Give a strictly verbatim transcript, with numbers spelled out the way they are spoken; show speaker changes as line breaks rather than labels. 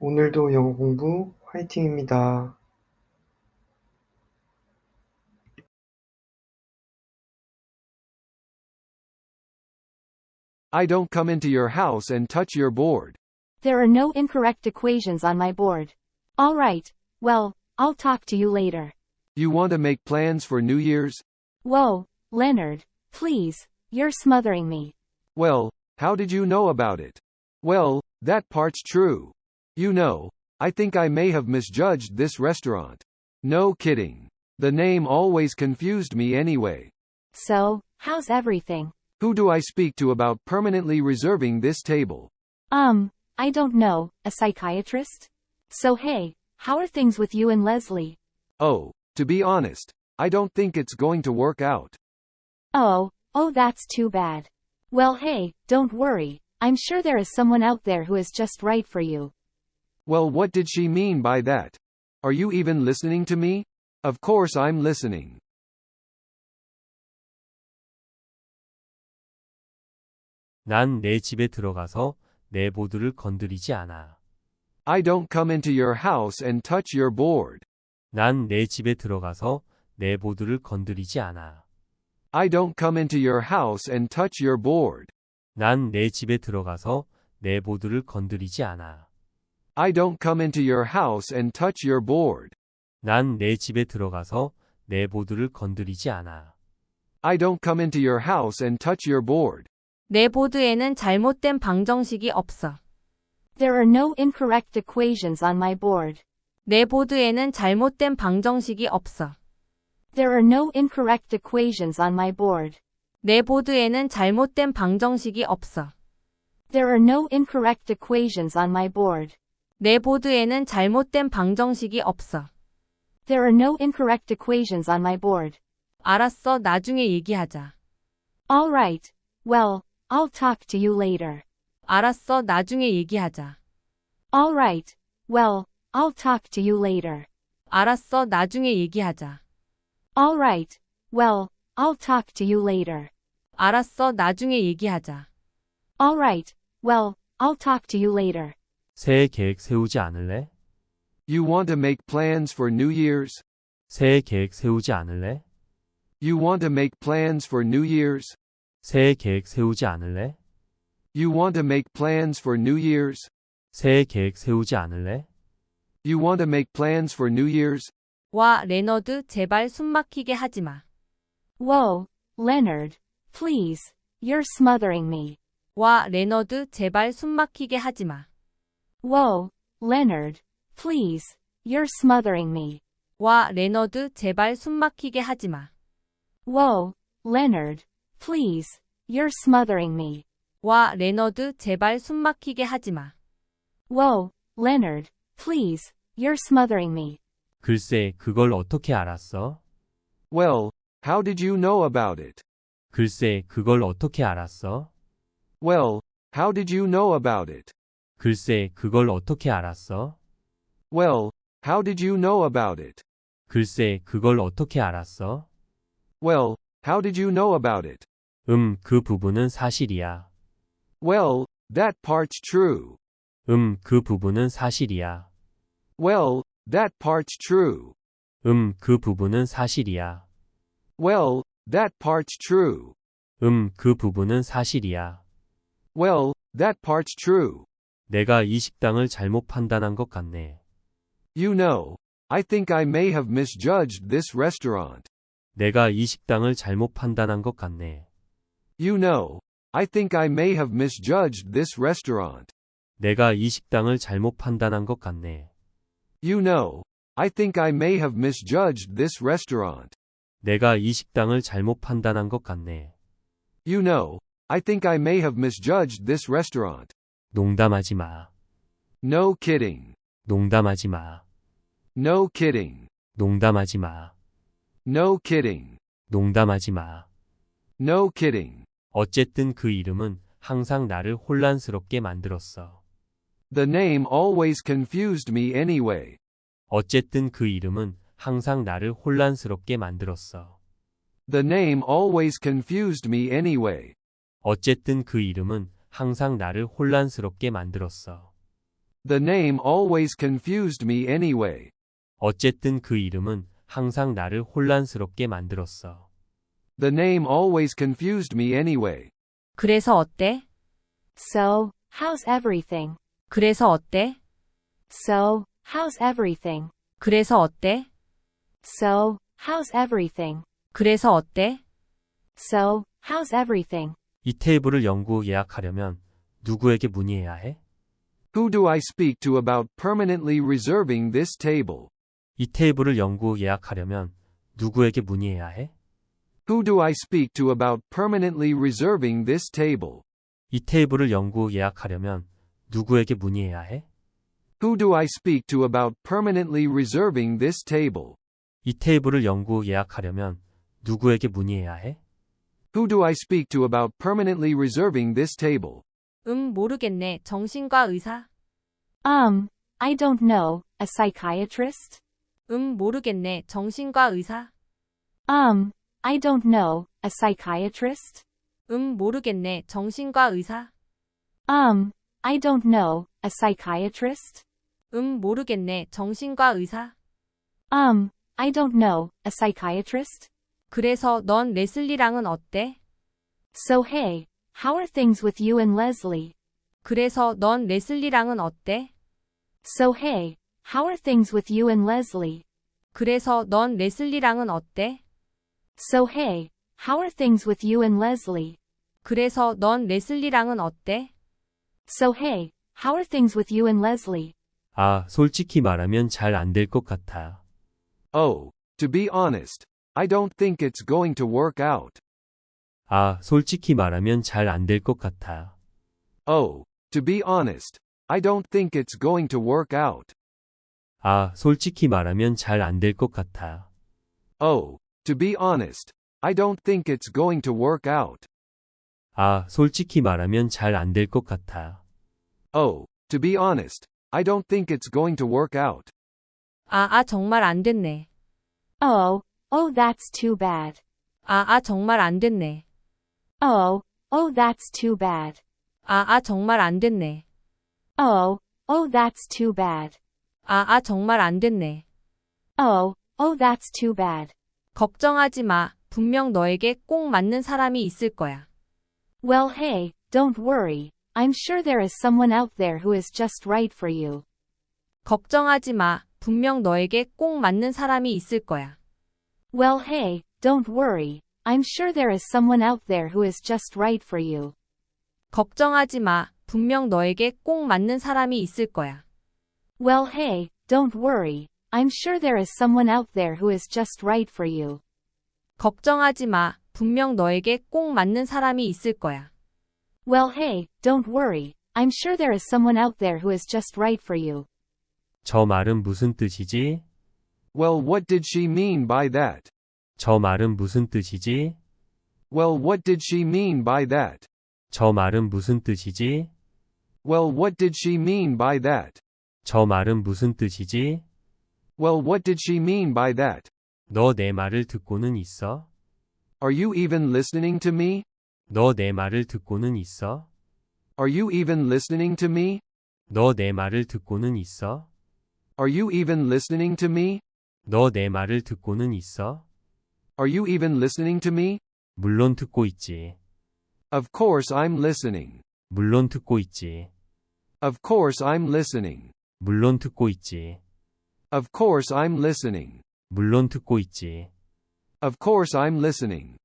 오늘도 영어 공부 화이팅입니다.
I don't come into your house and touch your board.
There are no incorrect equations on my board. All right, well, I'll talk to you later.
You want to make plans for New Year's?
Whoa, Leonard, please, you're smothering me.
Well, how did you know about it? Well, that part's true. You know, I think I may have misjudged this restaurant. No kidding. The name always confused me anyway.
So, how's everything?
Who do I speak to about permanently reserving this table?
Um, I don't know, a psychiatrist? So hey, how are things with you and Leslie?
Oh, to be honest, I don't think it's going to work out.
Oh, oh that's too bad. Well hey, don't worry, I'm sure there is someone out there who is just right for you.
Well, what did she mean by that? Are you even listening to me? Of course I'm listening.
난 내 집에 들어가서 내 보드를 건드리지 않아.
I don't come into your house and touch your board.
난 내 집에 들어가서 내 보드를 건드리지 않아.
I don't come into your house and touch your board.
난 내 집에 들어가서 내 보드를 건드리지 않아.
I don't come into your house and touch your board.
난 내 집에 들어가서 내 보드를 건드리지 않아.
I don't come into your house and touch your board.
내 보드에는 잘못된 방정식이 없어.
There are no incorrect equations on my board.
내 보드에는 잘못된 방정식이 없어.
There are no incorrect equations on my board.
내 보드에는 잘못된 방정식이 없어.
There are no incorrect equations on my board.
내 보드에는 잘못된 방정식이 없어.
There are no incorrect equations on my board.
알았어, 나중에 얘기하자.
All right, well, I'll talk to you later.
알았어, 나중에 얘기하자.
All right, well, I'll talk to you later.
알았어, 나중에 얘기하자.
All right, well, I'll talk to you later.
알았어, 나중에 얘기하자.
All right, well, I'll talk to you later.
새해 계획 세우지 않을래?
You want to make plans for New Year's?
새해 계획 세우지 않을래?
You want to make plans for New Year's?
새해 계획 세우지 않을래?
You want to make plans for New Year's?
새해 계획 세우지 않을래?
You want to make plans for New Year's?
와, 레너드, 제발 숨 막히게 하지 마.
Whoa, Leonard, please, you're smothering me.
와, 레너드, 제발 숨 막히게 하지 마.
Whoa, Leonard, please, you're smothering me.
와, 레너드, 제발 숨 막히게 하지 마.
Whoa, Leonard, please, you're smothering me.
와, 레너드, 제발 숨 막히게 하지 마.
Whoa, Leonard, please, you're smothering me.
글쎄, 그걸 어떻게 알았어?
Well, how did you know about it?
글쎄, 그걸 어떻게 알았어?
Well, how did you know about it?
글쎄, 그걸 어떻게 알았어?
Well, how did you know about it?
글쎄, 그걸 어떻게 알았어?
Well, how did you know about it?
음, 그 부분은 사실이야.
Well, that part's true.
음, 그 부분은 사실이야.
Well, that part's true.
음, 그 부분은 사실이야.
Well, that part's true.
음, 그 부분은 사실이야.
Well, that part's true.
내가 이 식당을 잘못 판단한 것 같네.
You know, I think I may have misjudged this restaurant.
내가 이 식당을 잘못 판단한 것 같네.
You know, I think I may have misjudged this restaurant.
내가 이 식당을 잘못 판단한 것 같네.
You know, I think I may have misjudged this restaurant.
내가 이 식당을 잘못 판단한 것 같네.
You know, I think I may have misjudged this restaurant.
농담하지 마.
No kidding.
농담하지 마.
No kidding.
농담하지 마.
No kidding.
농담하지 마.
No kidding.
어쨌든 그 이름은 항상 나를 혼란스럽게 만들었어.
The name always confused me anyway.
어쨌든 그 이름은 항상 나를 혼란스럽게 만들었어.
The name always confused me anyway.
어쨌든 그 이름은 항상 나를 혼란스럽게 만들었어.
The name always confused me anyway.
어쨌든 그 이름은 항상 나를 혼란스럽게 만들었어.
The name always confused me anyway.
그래서 어때?
So, how's everything?
그래서 어때?
So, how's everything?
그래서 어때?
So, how's everything?
그래서 어때?
So, how's everything?
이 테이블을 영구 예약하려면 누구에게 문의해야 해?
Who do I speak to about permanently reserving this table?
이 테이블을 영구 예약하려면 누구에게 문의해야 해?
Who do I speak to about permanently reserving this table?
이 테이블을 영구 예약하려면 누구에게 문의해야 해?
Who do I speak to about permanently reserving this table?
이 테이블을 영구 예약하려면 누구에게 문의해야 해?
Who do I speak to about permanently reserving this table?
음, 모르겠네. 정신과 의사?
Um, I don't know, a psychiatrist?
음, 모르겠네. 정신과 의사?
Um, I don't know, a psychiatrist?
음, 모르겠네. 정신과 의사?
Um, I don't know, a psychiatrist?
음, 모르겠네. 정신과 의사?
Um, I don't know, a psychiatrist?
그래서 넌 레슬리랑은 어때?
So hey, how are things with you and Leslie?
그래서 넌 레슬리랑은 어때?
So hey, how are things with you and Leslie?
그래서 넌 레슬리랑은 어때?
So hey, how are things with you and Leslie?
그래서 넌 레슬리랑은 어때?
So hey, how are things with you and Leslie?
아, 솔직히 말하면 잘 안 될 것 같아.
Oh, to be honest, I don't think it's going to work out.
아, 솔직히 말하면 잘 안 될 것 같아.
Oh, to be honest, I don't think it's going to work out.
아, 솔직히 말하면 잘 안 될 것 같아.
Oh, to be honest, I don't think it's going to work out.
아, 솔직히 말하면 잘 안 될 것 같아.
Oh, to be honest, I don't think it's going to work out.
아, 아, 정말 안 됐네.
Oh, oh that's too bad.
아, 아, 정말 안 됐네.
Oh, oh that's too bad.
아, 아, 정말 안 됐네.
Oh, oh that's too bad.
아, 아, 정말 안 됐네.
Oh, oh that's too bad.
걱정하지 마. 분명 너에게 꼭 맞는 사람이 있을 거야.
Well hey, don't worry. I'm sure there is someone out there who is just right for you.
걱정하지 마. 분명 너에게 꼭 맞는 사람이 있을 거야.
Well hey, don't worry. I'm sure there is someone out there who is just right for you.
걱정하지 마. 분명 너에게 꼭 맞는 사람이 있을 거야.
Well hey, don't worry. I'm sure there is someone out there who is just right for you.
걱정하지 마. 분명 너에게 꼭 맞는 사람이 있을 거야.
Well hey, don't worry. I'm sure there is someone out there who is just right for you.
저 말은 무슨 뜻이지?
Well, what did she mean by that?
저 말은 무슨 뜻이지?
Well, what did she mean by that?
저 말은 무슨 뜻이지?
Well, what did she mean by that?
저 말은 무슨 뜻이지?
Well, what did she mean by that?
너 내 말을 듣고는 있어?
Are you even listening to me?
너 내 말을 듣고는 있어?
Are you even listening to me?
너 내 말을 듣고는 있어?
Are you even listening to me?
너 내 말을 듣고는 있어?
Are you even listening to me?
물론 듣고 있지.
Of course I'm listening.
물론 듣고 있지.
Of course I'm listening.
물론 듣고 있지.
Of course I'm listening.
물론 듣고 있지.
Of course I'm listening.